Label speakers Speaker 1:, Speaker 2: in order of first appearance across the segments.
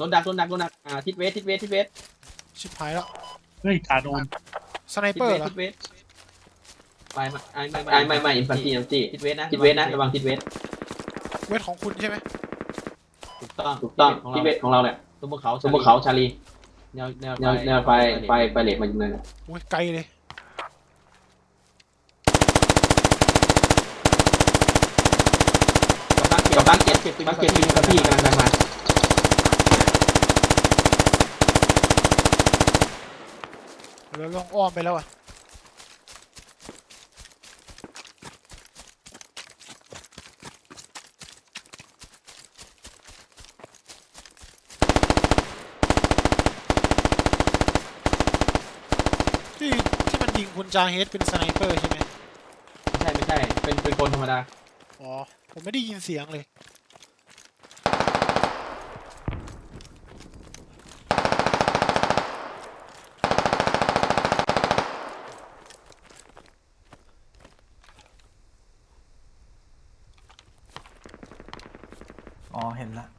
Speaker 1: โดนดักทิศเวส
Speaker 2: ชิบหายแล้ว
Speaker 3: เฮ้ยจ่าโดน
Speaker 2: สไนเปอร์เหรอ
Speaker 1: ทิศเวสไม่อินฟันตี้ทิศเวสนะระวังทิศเวส
Speaker 2: เวทของคุณใช่ไหม
Speaker 1: ถูกต้องทิศเวสของเราเนี่ยตัวบนเขาชาลีแนวไฟเลทมาอยู่เลย
Speaker 2: อุ้ยไกลเลย
Speaker 1: กับบ้านเจ็ดปีกับพี่กำลังมา
Speaker 2: เราลองอ้อมไปแล้วอ่ะที่มันยิงคุณจาเฮดเป็นสไนเปอร์ใช่ไหม
Speaker 1: ไม่ใช่เป็นคนธรรมดา
Speaker 2: อ๋อผมไม่ได้ยินเสียงเลย
Speaker 4: อ๋อเห็นละ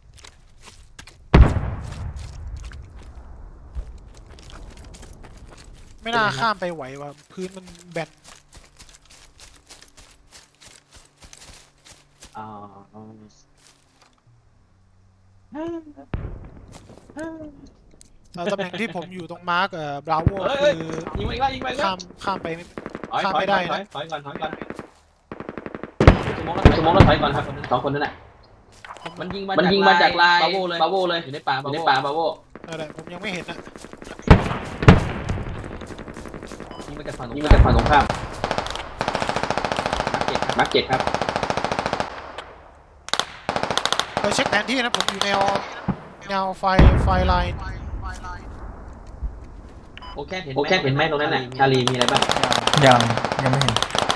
Speaker 2: ไม่น่าข้ามไปไหวว่ะพื้นมันแบนตำแหน่งที่ผมอยู่ตรงมาร์กบราโวคือ
Speaker 1: ยิงไป
Speaker 2: ข้ามไปไม่ได้นะ
Speaker 1: ถอยก่อนสมองแล้วถอยก่อนครับสองคนนั่นแหละมันยิงมาจากลายบาโวเลยอยู่ในป่าบาโว
Speaker 2: อะไรผมยังไม่เห็นนะ
Speaker 1: ยิงมาจากฝั่งตรงข้ามมาร์คเจ็ดครับ
Speaker 2: ไปเช็คแผนที่นะผมอยู่แนวไฟไลน์
Speaker 1: โอเคเห็นไหมตรงนั้นน่ะชาลีมีอะไรบ้าง
Speaker 4: ยังไม่เห็น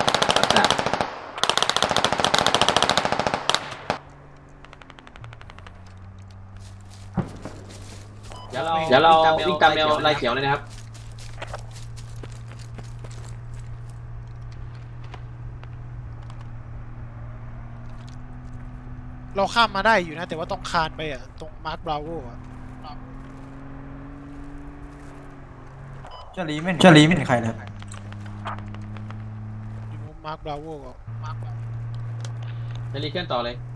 Speaker 1: เดี๋ยวเราวิ่งตามแนวลายเขียวเลยนะครับ
Speaker 2: เราข้ามมาได้อยู่นะแต่ว่าต้องคานไปอ่ะตรงมาร์กบราโวอ่ะ
Speaker 4: เจ้าลีไม่เห็นใครเลย
Speaker 2: อยู่มาร์กบราโวก็
Speaker 1: ชาลีเคลื่อนต่อเลย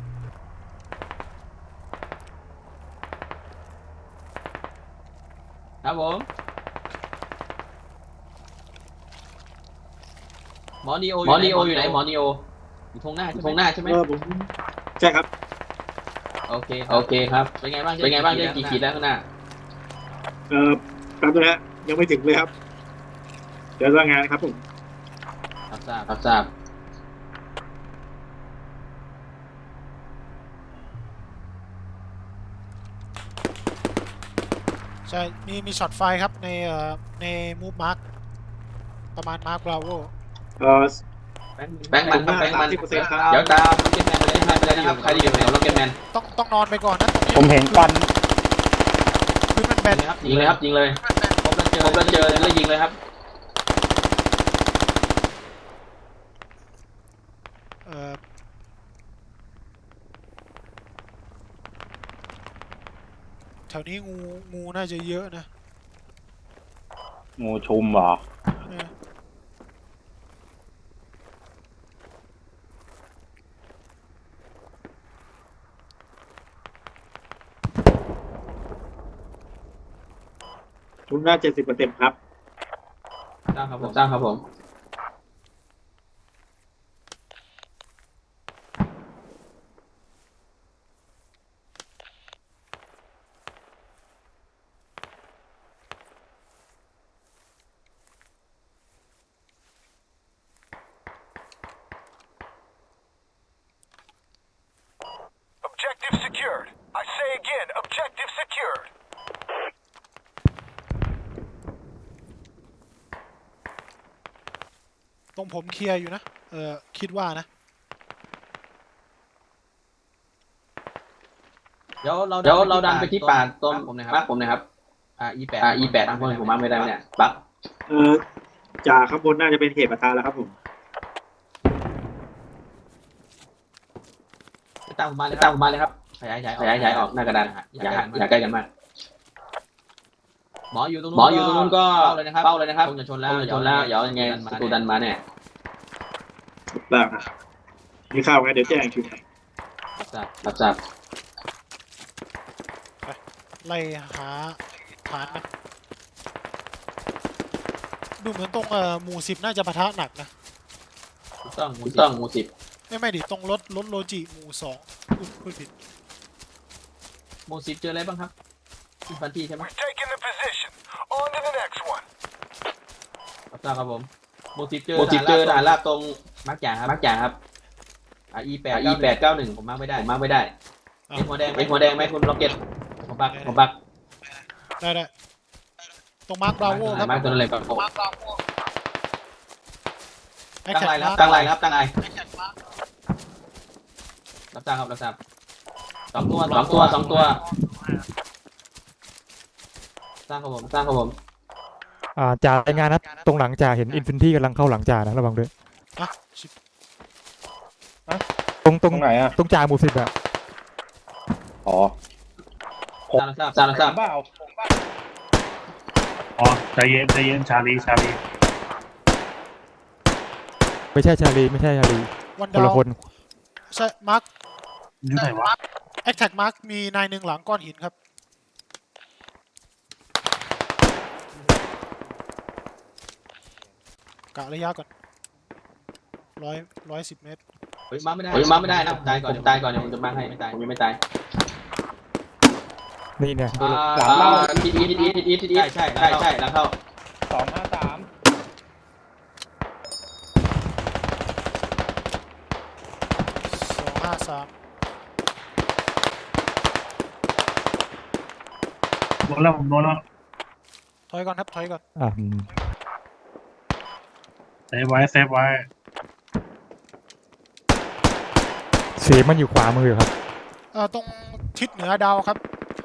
Speaker 1: ครับผมหมอนีโออยู่ไหนหมอนีโออยู่ตรงหน้าใช่ไหม
Speaker 3: ผมใช่ครับ
Speaker 1: โอเคครับเป็นไงบ้างได้กี่ขีดแล้วข้างหน้า
Speaker 3: ครับนะฮะยังไม่ถึงเลยครับเดี๋ยวรายงานครับผม
Speaker 1: รับทราบ
Speaker 2: ใช่มีช็อตไฟครับในมูฟมาร์กประมาณมาร์กบราโว
Speaker 1: แบงค์มันครับเดี๋ยวตามล็อกเก็ตแมนไปเลยนะครับใครที่อยู่แถวล็อกเก็ตแมน
Speaker 2: ต้องนอนไปก่อนนะ
Speaker 5: ผมเห็นควัน
Speaker 2: พื้นมันแบน
Speaker 1: ยิงเลยพบแล้วเจอแล้วยิงเลยครับ
Speaker 2: แถวนี้งูน่าจะเยอะนะ
Speaker 5: งูชุมเหรอ
Speaker 2: เออ
Speaker 3: ทุนหน้า70%ครับ
Speaker 1: สร้างครับผม
Speaker 2: ตรงผมเคลียร์อยู่นะคิดว่านะ
Speaker 1: เดี๋ยวเราดันไปที่ป่าต้นผมนะครับE8 ทางคนผมมาไม่ได้เนี่ยบัก
Speaker 3: จากข้างบนน่าจะเป็นเหตุปะทะแล้วครับผม
Speaker 1: ตามผมมาเลยครับขยายออกหน้ากระดานอย่าใกล้กันมากหมออยู่ตรงนู้นก็เป้าเลยนะครับคงจะชนแล้วเดี๋ยวยังไงศัตรูดันมาเนี่ย
Speaker 3: ได้ครับมีข้าวไงเดี๋ยวแจ้งคิว
Speaker 1: รับทราบ
Speaker 2: ไล่หาฐานนะดูเหมือนตรงหมู่10น่าจะปะทะหนักนะ
Speaker 1: ถูกต้องหมู่สิบ
Speaker 2: ไม่ดิตรงรถโลจิหมู่2พูดผิด
Speaker 1: หมู่สิบเจออะไรบ้างครับอินฟันทีใช่ไหม
Speaker 5: Taking the position. On to the next one.
Speaker 1: รับทราบครับผมหมู่สิบเจอทหารราบตรงมาร์กจ่าครับE891ผมมาร์กไม่ได้เอ็นหัวแดงไหมคุณล็อกเก็ตผมบัก
Speaker 2: ได้ตรงมาร์คบราโวครับ
Speaker 1: มาร์กตัวนั้นเลยครับ
Speaker 2: ไอ้
Speaker 1: ตั้
Speaker 2: แข
Speaker 1: ง
Speaker 2: ก
Speaker 1: ไลน์
Speaker 2: มาร์ค
Speaker 1: ตั้งไลน์รับทราบสองตัวสร้างครับผม
Speaker 6: จ่ารายงานนะตรงหลังจ่าเห็นอินฟินิตี้กำลังเข้าหลังจ่านะระวังด้วย
Speaker 2: อ่ะชิบ
Speaker 6: ตรง
Speaker 7: ไหนอ่ะ
Speaker 6: ตรงจ่าหมู่10อะ
Speaker 7: อ๋อ
Speaker 1: ทราบ
Speaker 7: บ้าเอา
Speaker 8: อ๋อใจเย็นชาลี
Speaker 6: ไม่ใช่ชาลี
Speaker 2: วัน
Speaker 6: คน
Speaker 2: ดา
Speaker 6: ละ
Speaker 2: ว
Speaker 6: คน
Speaker 2: ใช่มาร์ค
Speaker 8: อยู่ไหนวะ
Speaker 2: แอคแท็กมาร์คมีนายหนึ่งหลังก้อนหินครับกะระยะก่อน110 เมตร
Speaker 1: เฮ้ยมาไม่ได้นะตายก่อนเดี๋ยวผมจะมาให้ไม่ตายผมยังไม่ตาย
Speaker 6: นี่เนี่ย
Speaker 1: ทีใช่หลังเข้า
Speaker 7: 253
Speaker 2: 253
Speaker 8: โดนแล้วผมโดนแล้ว
Speaker 2: ถอยก่อนครับถอยก่อน
Speaker 8: เซฟไว้
Speaker 6: เสียงมันอยู่ขวามือครับ
Speaker 2: ตรงทิศเหนือดาวครับ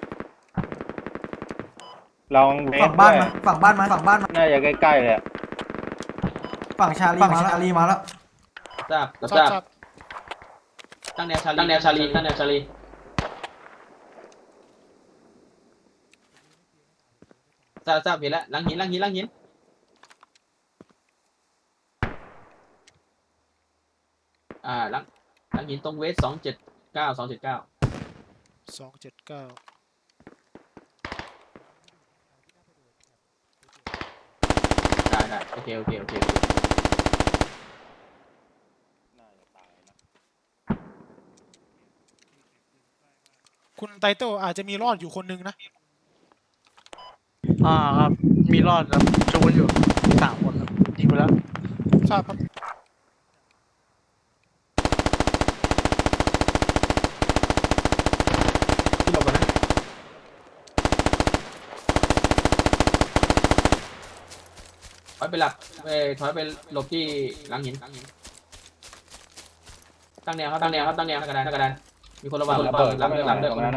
Speaker 7: ลองเม
Speaker 4: ฝั่
Speaker 7: ต
Speaker 4: ง
Speaker 7: ร
Speaker 4: บ้าน
Speaker 7: ด้วย
Speaker 4: มาฝั่งบ้านมา
Speaker 7: น่าจะใกล้ๆเลยอะ
Speaker 4: ฝั่งชาลีมาแล้ว
Speaker 1: ทราบ ตั้งแนวชาลีเห็นแล้วหลังหินหลังหินตรงเวส279 ได้โอเค
Speaker 2: คุณไตเติลอาจจะมีรอดอยู่คนนึงนะ
Speaker 9: ครับ มีรอดครับจูนอยู่3 คนครับยิงไปแล้ว
Speaker 2: ทราบครับ
Speaker 1: ที่หลบนะถอยไปหลบที่หลังหินตั้งแนวกระดานมีคนระวัง
Speaker 7: ระเบิด
Speaker 1: หลัง
Speaker 7: ตรงนั้นอะ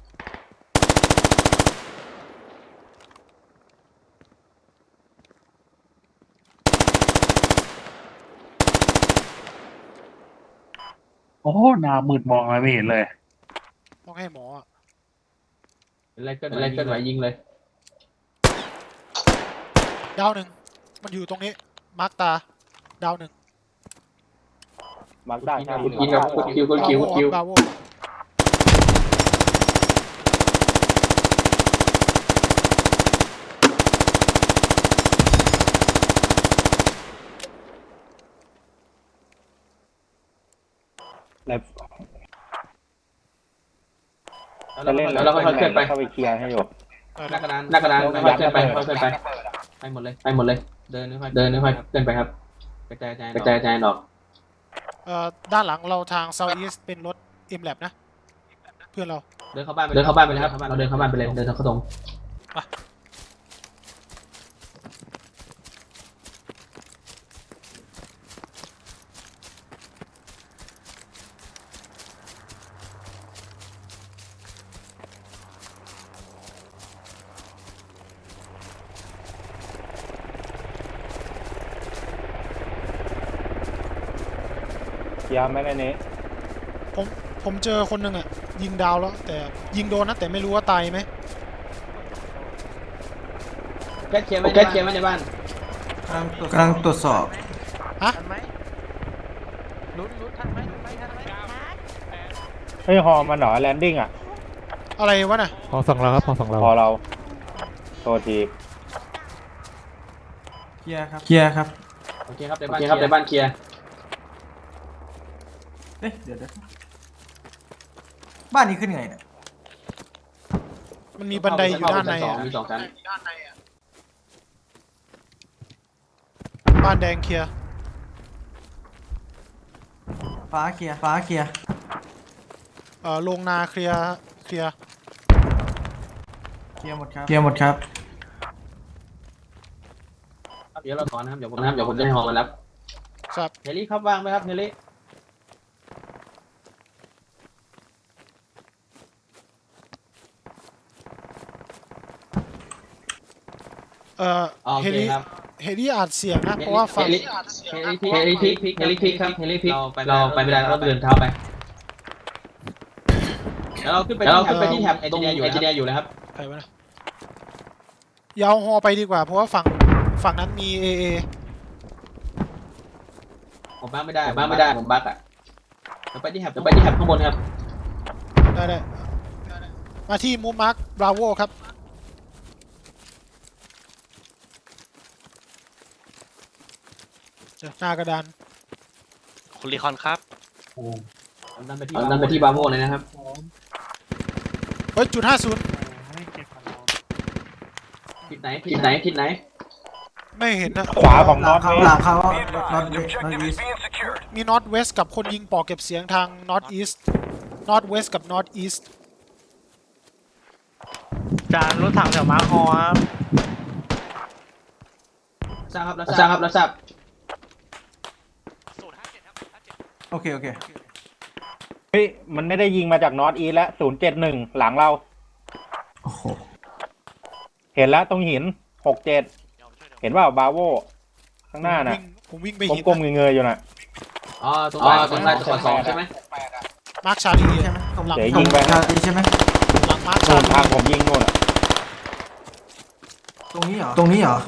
Speaker 8: โอ้โหหน้ามืดมองอะไรไม่เห็นเลย
Speaker 2: ต้องให้หมออะ
Speaker 1: อะไรเกิดไหวยิงเลย
Speaker 2: ดาวหนึ่งมันอยู่ตรงนี้มาร์คตาดาวหนึ่ง
Speaker 7: มาร์กได้ใช่ไหม
Speaker 1: ยิงกับคุณคิว
Speaker 2: บราโว
Speaker 7: แล้ว
Speaker 1: แล้วเราค่อยเคลื่อนไป
Speaker 7: เข้าไปเคลียร์ให้อยู่
Speaker 1: หน้ากระดานค่อยเคลื่อนไปไปหมดเลยเดินค่อยเคลื่อนไปครับกระจายออก
Speaker 2: ด้านหลังเราทาง South East เป็นรถ M-Lab นะ เพื่อนเรา
Speaker 1: เดินเข้าบ้านไปเลยครับเราเดินเข้าบ้านไปเลยเดินเข้าตรง
Speaker 7: เคลียร์ไหมในนี้
Speaker 2: ผมเจอคนหนึ่งอ่ะยิงดาวแล้วแต่ยิงโดนนะแต่ไม่รู้ว่าตายไหม
Speaker 1: แก๊สเคลียร์ไว้ในบ้าน
Speaker 4: กำลังตรวจสอบ
Speaker 2: ฮะ
Speaker 9: ทันไหมลุ้นทันไหม
Speaker 7: เฮ้ยฮอมันเหรอแลนดิ้งอ่ะ
Speaker 2: อะไรวะน่ะ
Speaker 6: พอฝั่งเราครับพอฝั่งเรา
Speaker 7: พอเราโทษที
Speaker 4: เคลียร์ครับ
Speaker 1: โอเคครับในบ้านเคลียร์
Speaker 4: เอ๊ะเดี๋ยวบ้านนี้ขึ้นไงเนี่ย
Speaker 2: มันมีบันไดอยู่ด้านใน
Speaker 1: สอ
Speaker 2: อะ
Speaker 1: งมี2 ชั้น
Speaker 2: บ้านแดงเคลียร์
Speaker 4: ฟ้าเคลียร์
Speaker 2: โรงนาเคลียร์
Speaker 4: เคลียร์หมดครับ
Speaker 1: เดี๋ยวเราถอนนะครับเดี๋ยวผมจะให้ฮอมารับ
Speaker 2: ครับ
Speaker 1: เฮลี่ครับว่างไหมครับเฮลี่
Speaker 2: เอ่อ
Speaker 1: โอ
Speaker 2: เฮ
Speaker 1: เค
Speaker 2: ลิ
Speaker 1: ครับ
Speaker 2: เฮลิอัดเสียงนะเพราะว่าฝั่ง
Speaker 1: เฮลี่พิกครับเฮลี่พิกเราไปไม่ได้เราเดินเท้าไปแล้วเราขึ้นไปที่แท็บเอนจิเนียร์อยู่นะครับ
Speaker 2: ใครวะนะยาวฮอไปดีกว่าเพราะว่าฝั่งนั้นมีเอ
Speaker 1: ผมบ้าไม่ได้ผมบั๊กอ่ะเราไปที่แท็บข้างบนครับ
Speaker 2: ได้มาที่มูมาร์คบราโวครับเจอหน้ากระดาน
Speaker 9: คุณรีคอนครับ
Speaker 1: นั่นไปที่บาโวเลยนะครับ
Speaker 2: เฮ้ยจุด50
Speaker 1: ทิศไหน
Speaker 2: ไม่เห็นนะ
Speaker 7: ขวาของน็อต
Speaker 4: หลังเขา
Speaker 5: The
Speaker 4: น็อต
Speaker 5: objective
Speaker 4: อี
Speaker 5: is
Speaker 4: ส
Speaker 5: being secured.
Speaker 2: มี North West กับคนยิงปอกเก็บเสียงทาง North East North West กับ North East
Speaker 9: จานรถถังแถวมาร์คฮอครับ
Speaker 1: ทราบครับแล้วทราบ
Speaker 4: โอเค
Speaker 7: เฮ้ยมันไม่ได้ยิงมาจากน็อตอีแล้ว071หลังเรา
Speaker 4: โอ้โห
Speaker 7: เห็นแล้วตรงหิน67เห็นว่าบาโวข้างหน้าน่ะ
Speaker 2: ผมวิ่งไปเห็น
Speaker 7: กลมๆเงยๆอยู่น่ะ
Speaker 1: อ๋อตรงใต้จังหวัด2ใช่ไหม
Speaker 2: มาร์คชาลี
Speaker 4: ใช่ไหมตรง
Speaker 7: เดี๋ยวยิงไป
Speaker 4: ชาลีใช่ไหม
Speaker 2: หลังมาร์ค
Speaker 7: โน่
Speaker 2: ชาน ลี
Speaker 7: ทางผมยิงโน่นอ่ะ
Speaker 4: ตรงนี้เหรอ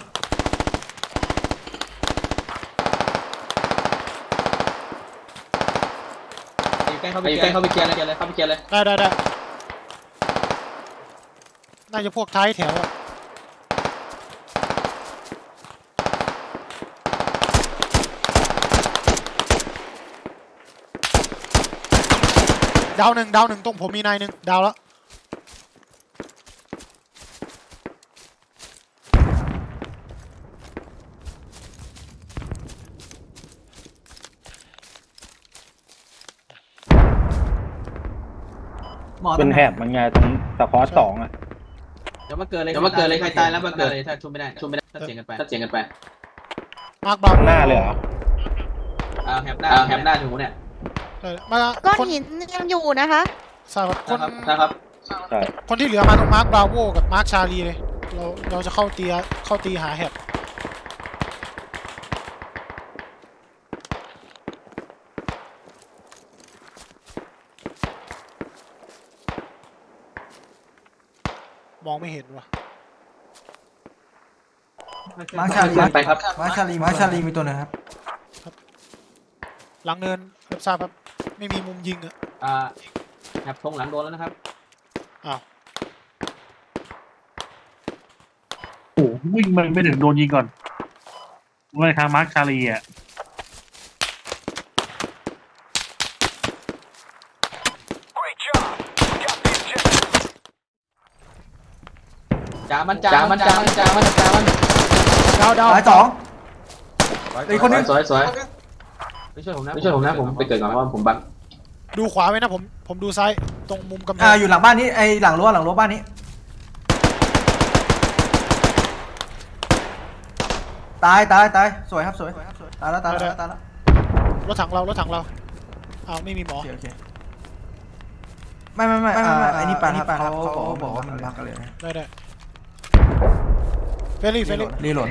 Speaker 1: ใกล้เข้าไปเคลียร์เลย
Speaker 2: ได้น่าจะพวกท้ายแถวอะดาวหนึ่งตรงผมมีนายหนึ่งดาวแล้ว
Speaker 7: เป็นแถบมันไงตรงสปอร์ต2อ่ะ
Speaker 1: เดี๋ยวมาเกิดเลยใครตายแล้วมาเกิดเลยถ้าชุบไม่ได้ถ้าเสียงกันไป
Speaker 2: มาร์คบราโว
Speaker 7: หน้าเลยเหรอ
Speaker 1: แฮมหน้าถูเนี่ย
Speaker 2: มา
Speaker 10: ก้อน
Speaker 2: คน
Speaker 10: หินยังอยู่นะคะ
Speaker 2: ทราบครับ
Speaker 1: นะครับ
Speaker 7: ใช่
Speaker 2: คนที่เหลือมาตรงมาร์คบราโวกับมาร์คชาลีเลยเราจะเข้าตีหาแฮปมองไม่เห็นว่ะ
Speaker 4: มาร์คชาลี
Speaker 1: ไปครับ
Speaker 4: มาร์คชาลีมีตัวหนึงครับ
Speaker 2: หลังเนินรับทราบครับไม่มีมุมยิงอะ
Speaker 1: แฮปทงหลังโดนแล้วนะครับ
Speaker 2: อ้าว
Speaker 8: โอ้โหวิ่งไม่ถึงโดนยิงก่อนว่าทางมาร์คชาลีอ่ะ
Speaker 5: Great job. We got the objective.
Speaker 1: จ่ามัน
Speaker 2: ดาว
Speaker 4: ตายสอง อีกคนนึง
Speaker 1: สวยไม่ช่วยผมนะผมไปเกิดก่อนเพราะผมบัง
Speaker 2: ดูขวาไว้นะผมดูซ้ายตรงมุมกำแพง
Speaker 4: อยู่หลังบ้านนี้ไอหลังรั้วบ้านนี้ ตายสวยครับสวยตายแล้ว
Speaker 2: รถถังเราอ้าวไม่มีหมอ
Speaker 4: โอเคไม่ไอ้นี่ปานครับเขาบอกว่ามันบั๊กกันเลย
Speaker 2: ได้เฟรลี่
Speaker 4: รีโหลด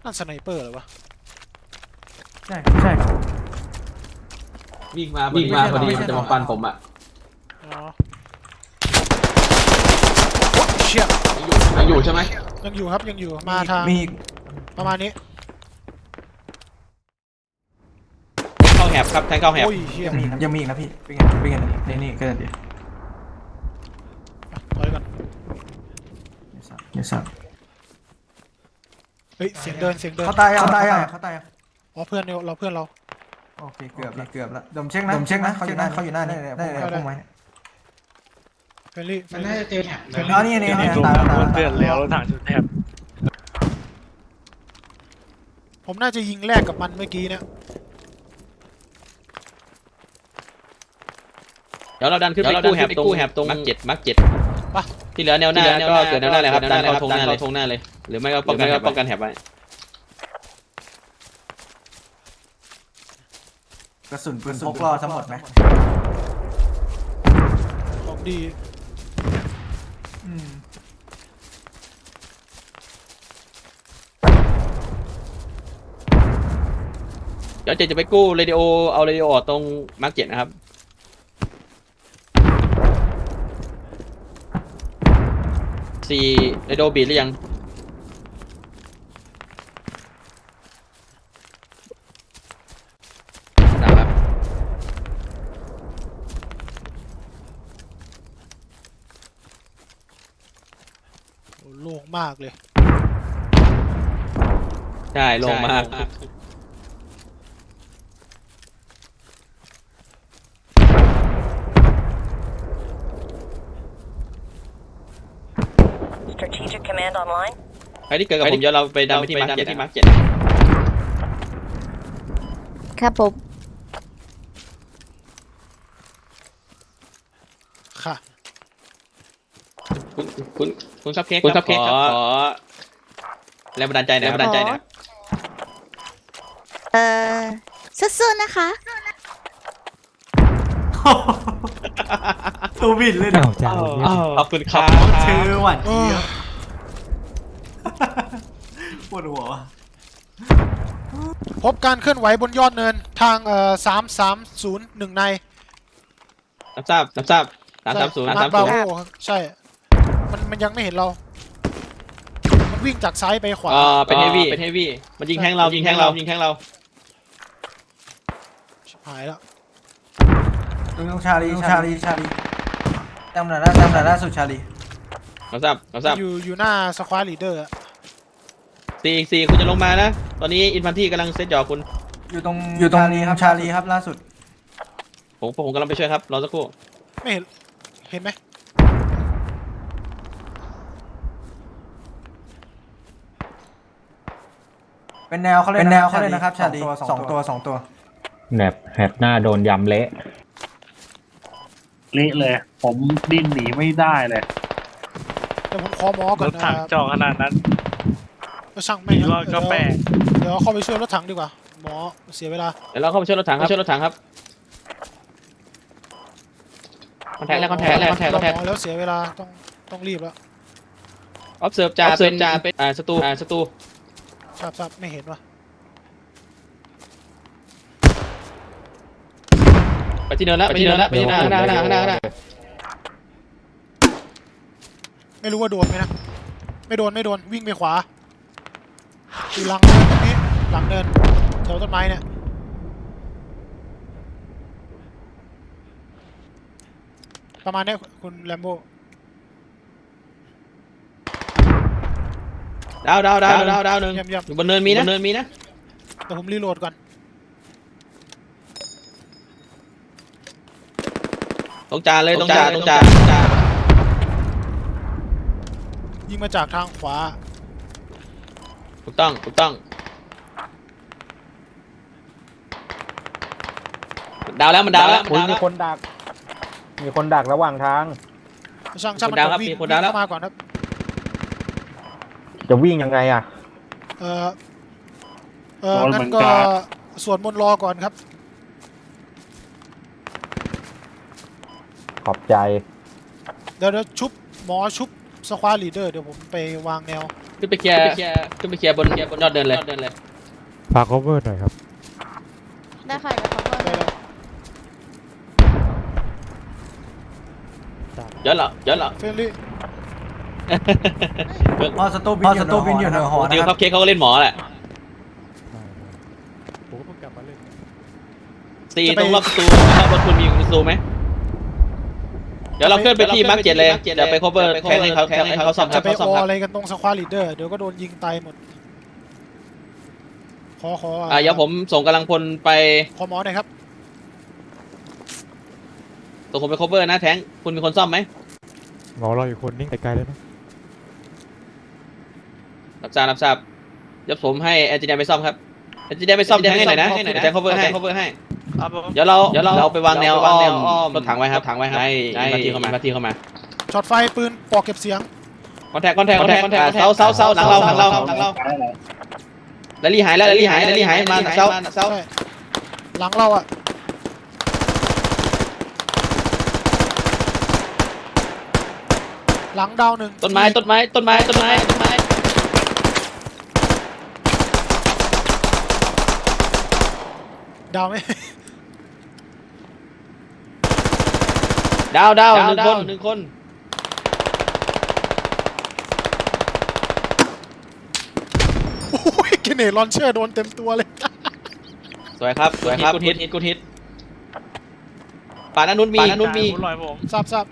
Speaker 2: นั่นสไนเปอร์เหรอวะ
Speaker 4: ใช่ครับใช่ครับ
Speaker 1: วิ่งมาพอดีมันจะมาฟันผมอ่ะ
Speaker 2: อ๋อโอ๊ยเชี่ย
Speaker 1: ยังอยู่ใช่ไหม
Speaker 2: ยังอยู่ครับยังอยู่มาทาง
Speaker 4: มีอีก
Speaker 2: ประมาณนี้
Speaker 1: เข้าแหบครับแทงเข้าแหบ
Speaker 2: โอ้ยเชี่ย
Speaker 4: ยังมีอีกนะพี่เป็นไงนี่ก็เดี๋ยว
Speaker 2: ถอยก่อน
Speaker 4: เดี๋ยวสับ
Speaker 2: เฮ้ยเสียงเดิน
Speaker 4: เขาตายอ่ะ
Speaker 2: อ๋อเพื่อนเราเพื่อนเรา
Speaker 4: โอเคเกือบแล้วดมเช็คนะเขาอยู่หน้านี่ได้พุ่งไว้
Speaker 2: เฟรนลี่
Speaker 9: มันน่าจะเจอแถบ
Speaker 4: อ๋อนี่ตาย
Speaker 9: เพื่อนแล้วรถถังจุดแถบ
Speaker 2: ผมน่าจะยิงแรกกับมันเมื่อกี้เนี่ย
Speaker 1: เดี๋ยวเราดันขึ้นไปกู้แหบตรงมาร์คเจ็ดที่เหลือแนวหน้าก็เกิดแนวหน้าเลยครับดันเข้าทงหน้าเลยหรือไม่ก็ป้องกันแหบไว้
Speaker 4: กระสุนปืนพกรอทั้งหมดไหม
Speaker 2: ของดี
Speaker 1: เดี๋ยวเจจะไปกู้เรดิโอเอาเรดิโอออกตรงมาร์คเจ็ดนะครับ4เรดิโอบีดหรือยังนะครับ
Speaker 2: โอ้โล่งมากเลย
Speaker 1: ใช่ลงมาก
Speaker 10: Strategic Command online.
Speaker 1: ใครที่เกิดกับผมเดี๋ยวเราไปดันไปที่มาร์คเจ็ด
Speaker 11: ครับผม
Speaker 2: ค่ะ
Speaker 1: คุณซับเค้กขอแรงบันดาลใจหน่อย
Speaker 11: สู้ๆนะคะ
Speaker 4: ตัวบินเลย
Speaker 6: อ้าวจ่าเนี่ย
Speaker 1: ขอบคุณครับ
Speaker 4: เชื่อหวัด
Speaker 2: เออ
Speaker 4: ปวดหัว
Speaker 2: พบการเคลื่อนไหวบนยอดเนินทาง330 ใน
Speaker 1: รับทราบ330
Speaker 2: มาร์คบาโวใช่มันยังไม่เห็นเรา มันวิ่งจากซ้ายไปขวา
Speaker 1: เป็นเฮฟวี่มันยิงแทงเราชิบ
Speaker 2: หายแล้ว
Speaker 4: ลุงชาลีจำหน่อยล่าสุดชาลี
Speaker 1: รับทราบ
Speaker 2: อยู่หน้าสควอตลีดเดอร์อะ
Speaker 1: 4คุณจะลงมานะตอนนี้อินฟันที่กำลังเซตหยอกคุณ
Speaker 4: อยู่ตรงชาลีครับล่าสุด
Speaker 1: ผมกำลังไปช่วยครับรอสักครู่
Speaker 2: ไม่เห็นไหม
Speaker 4: เป็นแนวเขาเลยนะครับชาลีสองตัว
Speaker 7: แหบหน้าโดนยำเละ
Speaker 8: เละเลย ผมดิ้นหนีไม่ได้เลย
Speaker 2: เดี๋ยวผมขอหมอก่
Speaker 9: ร
Speaker 2: อน
Speaker 9: ถถังจอขนาดนั้น
Speaker 2: ก็ช่างไม่
Speaker 9: รอดก็แปลก
Speaker 2: เดี๋ยวเข้าไปช่วยรถถังดีกว่าหมอเสียเวลา
Speaker 1: เดี๋ยวเราเข้าไปช่วยรถถังครับคอนแทคแล้ว
Speaker 2: หมอแล้วเสียเวลาต้องรีบแล้ว
Speaker 1: observe จ่าเป็นศัตรู
Speaker 2: ทราบไม่เห็นว่ะ
Speaker 1: ไปที่เนินแล้วไปที่หน้า
Speaker 2: ไม่รู้ว่าโดนไหมนะไม่โดนวิ่งไปขวาอยู่หลังเนินตรงนี้หลังเนินแถวต้นไม้เนี่ยประมาณนี้คุณแลมโบ้
Speaker 1: ดาวหนึ่ง
Speaker 2: เยี่ยม
Speaker 1: อยู่บนเนินมีนะ
Speaker 2: เดี๋ยวผมรีโหลดก่อน
Speaker 1: ตรงจ่าเลยตรงจ่า
Speaker 2: ยิงมาจากทางขวา
Speaker 1: ถูกต้องดาวแล้วมันดาวแล้ว
Speaker 7: มีคนดักระหว่างทาง
Speaker 2: ช่างมันวิ่งเข้ามาก่อนครับ
Speaker 7: จะวิ่งยังไงอ่ะ
Speaker 2: งั้นก็สวดมนต์รอก่อนครับ
Speaker 7: ขอบใจ
Speaker 2: เดี๋ยวชุบหมอชุบสควอตลีดเดอร์เดี๋ยวผมไปวางแนว
Speaker 1: ขึ้นไปเคลียร์บนยอดเดินเลย
Speaker 6: ฝาก cover หน่อยครับ
Speaker 11: ได้ค่ะเดี๋ยว cover
Speaker 1: เยอะเหรอ
Speaker 2: เฟรนลี่
Speaker 4: พอสตูบินอยู่เหนือหอ
Speaker 1: ดิ
Speaker 4: นะ
Speaker 1: ว
Speaker 4: ค
Speaker 1: ค
Speaker 4: รั
Speaker 1: รับบ เค้กเขาก็เล่นหมอแหละ
Speaker 6: ผมก็เพิ่งกลับมาเล่น
Speaker 1: ซีตรงรอบประตูครับรถคุณมีประตูไหมเดี๋ยวเราเคลื่อนไปที่มาร์ค7เลยเดี๋ยวไป cover แทงให้เขาซ่อมค
Speaker 2: จะ
Speaker 1: รับ
Speaker 2: ไปออะไรกันตรงสควอลีดเดอร์เดี๋ยวก็โดนยิงตายหมดขอ
Speaker 1: เดี๋ยวผมส่งกำลังพลไป
Speaker 2: ขอหมอหน่อยครับ
Speaker 1: ส่งคนไป cover นะแทงคุณมีคนซ่อมไหม
Speaker 6: หมอเราอยู่คนนิ่งไกลๆเลยนะ
Speaker 1: รับทราบเดี๋ยวผมให้แอนจิเนียร์ไปซ่อมครับแอนจิเนียร์ไปซ่อมแทงให้หน่อยนะแทง cover ให้
Speaker 9: ครับผม
Speaker 1: เดี๋ยวเราไปวางแนวอ้อมรถถังไว้ครับให้มาที่เข้ามา
Speaker 2: ช็อตไฟปืนปอกเก็บเสียง
Speaker 1: คอนแทคเสาหลังเราแล้วรีหายมาเสา
Speaker 2: ใช่หลังเราอะหลังดาวหนึ่ง
Speaker 1: ต้นไม้
Speaker 2: ดาวไหม
Speaker 1: ดาวหนึ่งคน
Speaker 2: โอ้ยเกเนตลอนเชอร์โดนเต็มตัวเลย
Speaker 1: สวยครับกูฮิตป่านั้นนู้นมี
Speaker 9: ลอยผม
Speaker 2: ทราบ
Speaker 1: ทราบ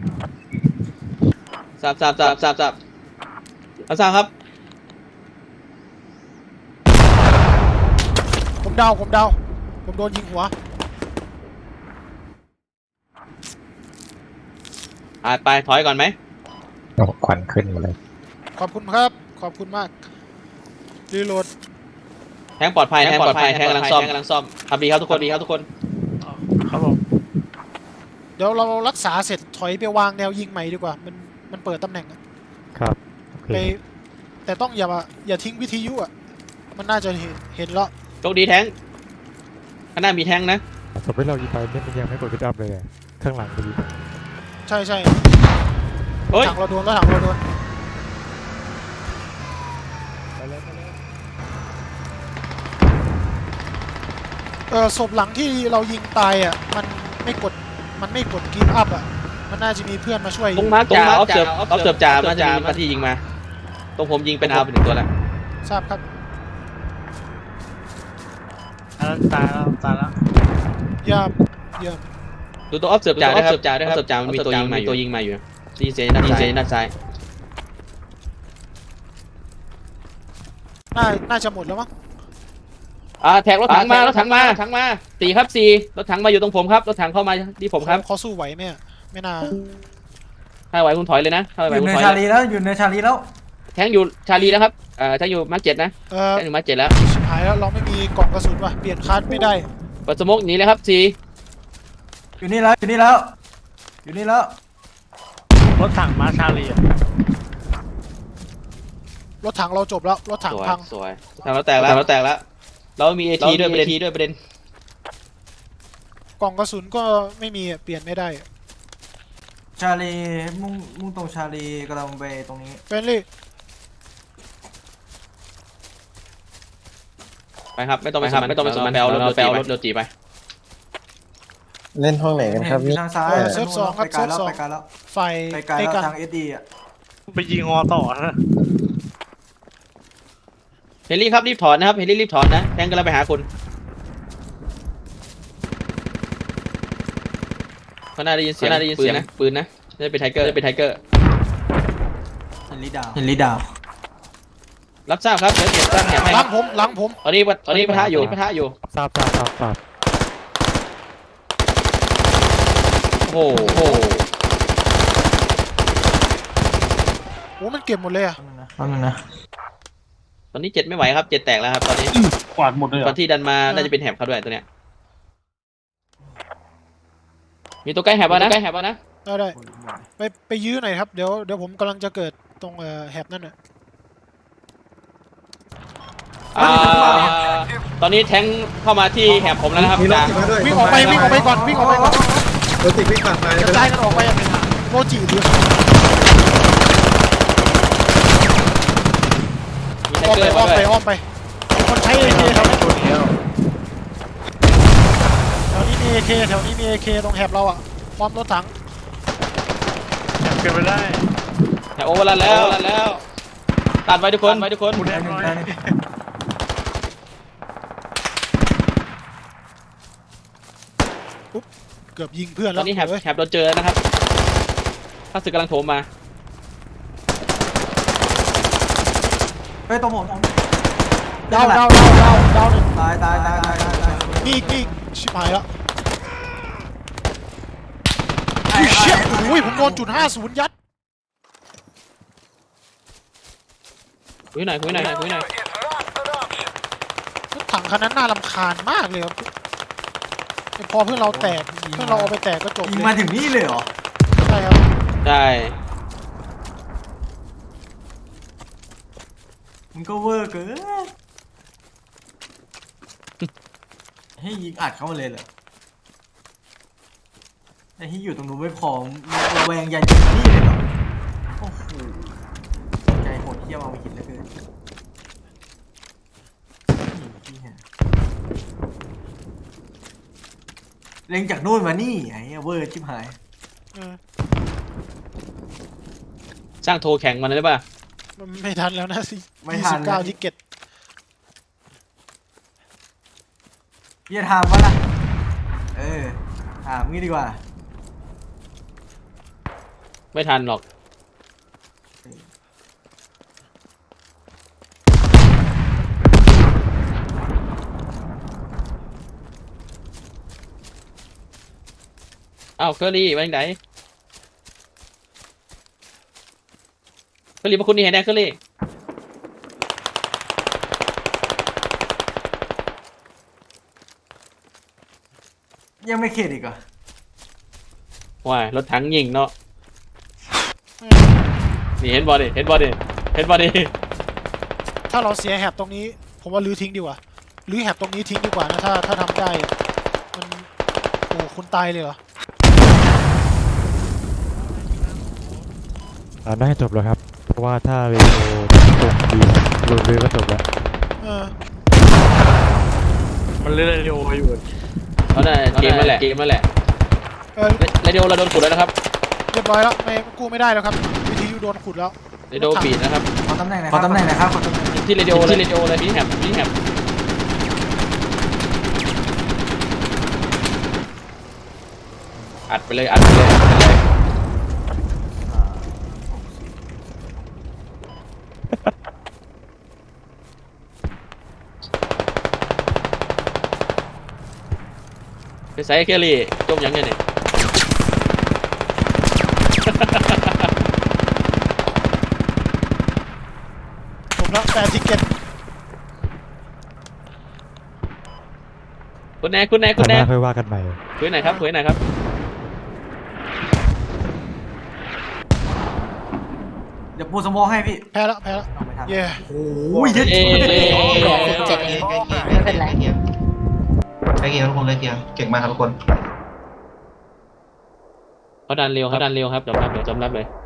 Speaker 1: ครับ
Speaker 2: ผมดาวผมโดนยิงหัว
Speaker 1: ไปถอยก่อนไหม
Speaker 6: ควันขึ้นมาเลย
Speaker 2: ขอบคุณครับขอบคุณมากรีโหลด
Speaker 1: แทงปลอดภัยแทงกำลังซ่อมทำดีครับทุกคน
Speaker 9: ครับผม
Speaker 2: เดี๋ยวเรารักษาเสร็จถอยไปวางแนวยิงใหม่ดีกว่ามันเปิดตำแหน่งอะ
Speaker 6: ครับโอเค
Speaker 2: ไปแต่ต้องอย่าทิ้งวิทยุอ่ะมันน่าจะเห็นแล้ว
Speaker 1: โชคดีแทงข้างหน้ามีแทงนะ
Speaker 6: สมมติเรายิงไปเนี่ยมันยังไม่กดพิดอัพเลยอะข้างหลังไปยิง
Speaker 2: ใช่
Speaker 1: เฮ้ย
Speaker 2: ถังเราโดนศพหลังที่เรายิงตายอ่ะมันไม่กดกีฟอัพอ่ะมันน่าจะมีเพื่อนมาช่วย
Speaker 1: ตรงมาร์คจ่าออฟเสิร์ฟจ่ามาจะมีมาที่ยิงมาตรงผมยิงเป็นเอาไป1 ตัวแล้ว
Speaker 2: ทราบครับ
Speaker 9: ตายแล้ว
Speaker 2: เยี่ยม
Speaker 1: ดูตัวออฟเสิร์ฟจ่าด้วยครับออฟเสิร์ฟจ่ามันมีตัวยิงมาอยู่ดีเจด้านซ้าย
Speaker 2: น่าจะหมดแล้วมั้ง
Speaker 1: แท็กรถถังมา4ครับ4รถถังมาอยู่ตรงผมครับรถถังเข้ามาที่ผมครับ
Speaker 2: เขาสู้ไหวไหมอะไม่น่า
Speaker 1: ถ้าไหวคุณถอยเลยนะถ้าไหว
Speaker 4: อยู่
Speaker 1: คุณ
Speaker 4: ใน
Speaker 1: ถอย
Speaker 4: ชาลีแล้วอยู่ในชาลีแล้ว
Speaker 1: แทงอยู่ชาลีแล้วครับแทงอยู่มาร์ค7นะแทงอยู่มาร์ค7แล้ว
Speaker 2: ชิบหายแล้วเราไม่มีกล่องกระสุนว่ะเปลี่ยนคัสไม่ได้
Speaker 1: เปิดสโมกหนีเลยครับ
Speaker 4: อยู่นี่แล้ว
Speaker 9: รถถังมาชาลีอะ
Speaker 2: รถถังเราจบแล้วรถถังพัง
Speaker 1: สวยทางเราแตกแล้วเรามี AT ด้วยประเด็น
Speaker 2: กล่องกระสุนก็ไม่มีอะเปลี่ยนไม่ได้
Speaker 4: ชาลีมุ่งตรงชาลีกำลังไปตรงนี้
Speaker 2: เฟรนลี่
Speaker 1: ไปครับไม่ต้องไปสมันแปลรถเร็วจีไป
Speaker 6: เล่นห้องไหนกันครับนี่
Speaker 4: ทางซ้าย
Speaker 2: เซิร์ฟสองครับ
Speaker 4: ไปไกล
Speaker 2: เซิร์ฟ
Speaker 4: แล้ว
Speaker 2: สอง
Speaker 4: ไปไกลแล้ว
Speaker 2: ไฟ
Speaker 4: ไปไกล
Speaker 2: ใกล้
Speaker 4: แล้ว
Speaker 2: กัน
Speaker 4: ทางเอสดีอ่ะ
Speaker 9: ไปยิงฮอต่อนะ
Speaker 1: เฮลี่ครับรีบถอนนะครับเฮลี่รีบถอนนะแทงกำลังไปหาคุณเขาน่าได้ยินเสียงปืนนะน่าจะเป็นไทเกอร์
Speaker 4: เฮนรี่ดาว
Speaker 1: รับทราบครับเดี๋ยวเก็บตั้งแถบให้
Speaker 2: หลังผม
Speaker 1: ตอนนี้ปะทะอยู่
Speaker 6: ทราบ
Speaker 1: โอ้โห
Speaker 2: โอ้มันเก็บหมดเลยอะ
Speaker 4: นั่นนะ
Speaker 1: ตอนนี้7ไม่ไหวครับ7แตกแล้วครับตอนนี้
Speaker 8: กวาดหมดเลยเหร
Speaker 1: ต
Speaker 8: อ
Speaker 1: อนที่ดันมาน่าจะเป็นแถบเขาด้วยตัวเนี้ยมีตัวใกล้แถบแล้วนะ
Speaker 2: ได้ไปยื้อหน่อยครับเดี๋ยวผมกำลังจะเกิดตรงแฮบนั่นน่ะ
Speaker 1: ตอนนี้แทงเข้ามาที่แถบผมแล้วนะครับ
Speaker 2: วิ่งออกไปก่อน
Speaker 3: รถติดวิ่งผ่านไป
Speaker 2: กระจายกันออกไปอะโมจิดิ
Speaker 1: มาร์คเกอร์
Speaker 2: อ้อม
Speaker 1: มา
Speaker 2: ไป
Speaker 1: ด้วย
Speaker 2: อ้อมไปมีคนใช้เอเคแถวนี้
Speaker 9: ตัวเดียว
Speaker 2: แถวนี้มีเอเคแถวนี้มีเอเคตรงแหบเราอ่ะป้อมรถถัง
Speaker 9: เกินไปได้
Speaker 1: แถวโอเวอร์ลันแล้วตัดไว้ทุกคน
Speaker 9: คุณแน่นอน
Speaker 2: เกือบยิงเพื่อน
Speaker 1: ต
Speaker 2: แล้
Speaker 1: อ
Speaker 2: วน
Speaker 1: นี้แฮบ
Speaker 2: เว้ย
Speaker 1: เราเจอแล้วนะครับข้าศึกกำลังโถมมา
Speaker 4: เฮ้ยตรงผม
Speaker 2: ดาวหนึ่ง
Speaker 4: ตาย
Speaker 2: มีอีกชิบหายแล้วอุ้ยเชี่ยอุ้ยผมโดนจุด50ยัด
Speaker 1: คุยหน่อย
Speaker 5: Is not an option.
Speaker 2: รถถังคันนั้นน่ารำคาญมากเลยครับพอเพื่อนเราแตกเพื่อนเราเอาไปแตกก็จบ
Speaker 4: ยิง
Speaker 2: เล
Speaker 4: มาย ถึงนี่เลยเหรอ
Speaker 2: ใช่ครับ
Speaker 1: ได้
Speaker 4: มันก็เวอร์เกินให้ยิงอัดเข้ามาเลยเหรอไอ้ที่อยู่ตรงนู้นไม่พอระแวงยันยิงนี่เลยเหรอโอ้โหใจโหดเหี้ยมเอาไปหินเหลือเกินเล็งจากนู่นมานี่ไอ้เวอร์ชิบหาย
Speaker 2: เออ
Speaker 1: สร้างโทรแข่งมันได้ป่ะ
Speaker 2: มันไม่ทันแล้วนะสิ
Speaker 4: ไม่ทัน
Speaker 2: 29ทิกเก็ต
Speaker 4: พี่จะถามว่าล่ะถามงี้ดีกว่า
Speaker 1: ไม่ทันหรอกอ้าวเคอรี่ไปไหนเคอรี่มาคุณนี่เห็นแน่เคอรี่
Speaker 4: ยังไม่เข็ดอีกเหรอ
Speaker 1: ว้ายรถถังยิงเนาะนี่เห็นบอดิ
Speaker 2: ถ้าเราเสียแหบตรงนี้ผมว่าลื้อทิ้งดีกว่าลื้อแหบตรงนี้ทิ้งดีกว่านะถ้าทำได้มันโอ้คุณตายเลยเหรอ
Speaker 6: น่าจะจบแล้วครับ เพราะว่าถ้าเรโอตรงดีโดนเรือก็จบแล้ว
Speaker 2: เออ
Speaker 9: มันเล่นเรดิโออยู่
Speaker 1: เขาได้เกมนั่นแหละเรดิโอเราโดนขุดแล้วนะครับ
Speaker 2: เรียบร้อยแล้วไม่กู้ไม่ได้แล้วครับวิธีโดนขุดแล้ว
Speaker 1: เรดิโอปิดนะครับ
Speaker 4: ขอตำแหน่งหน่อยครับ
Speaker 1: ที่เรดิโอเลยนี่แฮบอัดไปเลยไปใส่เคอรี่จมยังไงเนี่ย
Speaker 2: จบแล้ว8ทิกเก็ต
Speaker 1: คุณแน่
Speaker 6: คราวหน้าค่อยว่ากันใหม่
Speaker 1: คุยหน่อยครับ
Speaker 4: เดี๋ยวปูสมองให้พี่
Speaker 2: แพ้แล้ว
Speaker 4: เอาไม่ทัน
Speaker 2: เย่
Speaker 4: โอ้ยเย็ด
Speaker 11: ไม่เป็นไร
Speaker 4: ใกล้เคียงทุกคนใกล้เคียงเก่งมากครับทุกคน
Speaker 1: เขาดันเร็วครับจำรับเลย